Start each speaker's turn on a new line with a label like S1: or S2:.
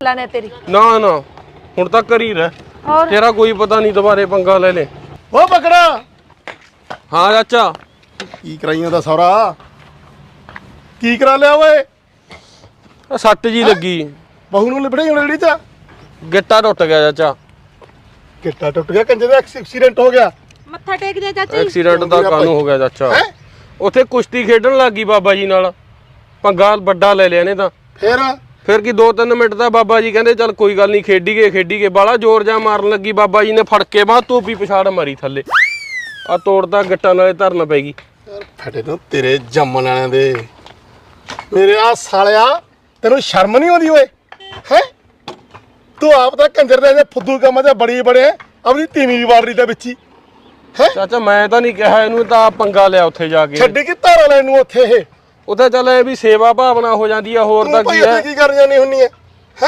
S1: ਲੈਣੇ ਤੇਰੀ
S2: ਨਾ ਨਾ ਹੁਣ ਤਾਂ ਕਰੀ ਰਹਿ
S1: ਹੋਰ
S2: ਤੇਰਾ ਕੋਈ ਪਤਾ ਨਹੀਂ ਦੁਬਾਰੇ ਪੰਗਾ ਲੈ ਲੈ
S3: ਓ ਬੱਕਰਾ
S2: ਹਾਂ ਚਾਚਾ
S3: ਕੀ ਕਰਾਈਆਂ ਦਾ ਸੌਰਾ ਕੀ ਕਰਾ ਲਿਆ ਓਏ
S2: ਆਹ ਸੱਟ ਜੀ ਲੱਗੀ
S3: ਬਹੂ ਨੂੰ ਲਿਬੜੇ ਹੁਣ ਜਿਹੜੀ ਚ
S2: ਗਿੱਟਾ ਟੁੱਟ ਗਿਆ ਚਾਚਾ
S3: ਕਿੱਟਾ ਟੁੱਟ ਗਿਆ ਕੰਜੇ ਦਾ ਐਕਸੀਡੈਂਟ ਹੋ ਗਿਆ
S1: ਮੱਥਾ ਟੇਕ ਦੇ ਚਾਚੀ
S2: ਐਕਸੀਡੈਂਟ ਦਾ ਕਾਨੂੰ ਹੋ ਗਿਆ ਚਾਚਾ
S3: ਹੈਂ?
S2: ਉੱਥੇ ਕੁਸ਼ਤੀ ਖੇਡਣ ਲੱਗੀ ਬਾਬਾ ਜੀ ਨਾਲ ਪੰਗਾ ਵੱਡਾ ਲੈ ਲਿਆ ਨੇ ਤਾਂ ਫਿਰ ਕੀ 2-3 ਮਿੰਟ ਦਾ ਬਾਬਾ ਜੀ ਕਹਿੰਦੇ ਚੱਲ ਕੋਈ ਗੱਲ ਨਹੀਂ ਖੇਡੀਏ ਬਾਲਾ ਜ਼ੋਰ ਜਾ ਮਾਰਨ ਲੱਗੀ ਬਾਬਾ ਜੀ ਨੇ ਫੜ ਕੇ ਬਾਹ ਧੋਪੀ ਪਛਾੜ ਮਾਰੀ ਥੱਲੇ ਆ ਤੋੜਦਾ ਗਿੱਟਾਂ ਨਾਲੇ ਧਰਨ ਪੈ ਗਈ
S3: ਯਾਰ ਫਟੇ ਤੋਂ ਤੇਰੇ ਜੰਮਣ ਵਾਲਿਆਂ ਦੇ ਮੇਰੇ ਆ ਸਾਲਿਆ ਤੈਨੂੰ ਸ਼ਰਮ ਨਹੀਂ ਆਉਂਦੀ ਓਏ ਹੈ ਤੂੰ ਆਪ ਤਾਂ ਕੰਜਰ ਦੇ ਫੁੱਦੂ ਕੰਮਾਂ 'ਚ ਬੜੇ ਆਪਣੀ ਤੀਵੀਂ ਵੀ ਵਾੜ ਰਹੀ ਤਾਂ ਵਿੱਚ ਹੀ ਹੈ
S2: ਚਾਚਾ ਮੈਂ ਤਾਂ ਨਹੀਂ ਕਿਹਾ ਇਹਨੂੰ ਤਾਂ ਪੰਗਾ ਲਿਆ ਉੱਥੇ ਜਾ ਕੇ
S3: ਛੱਡੀ ਕਿ ਧਾਰਾ ਲੈਣ ਨੂੰ ਉੱਥੇ ਇਹ
S2: ਉੱਥੇ ਚੱਲ ਇਹ ਵੀ ਸੇਵਾ ਭਾਵਨਾ ਹੋ ਜਾਂਦੀ ਆ ਹੋਰ ਤਾਂ
S3: ਤੂੰ ਭਾਈ
S2: ਕੀ ਹੈ
S3: ਉੱਥੇ ਕੀ ਕਰ ਜਾਣੀ ਹੁੰਨੀ ਹੈ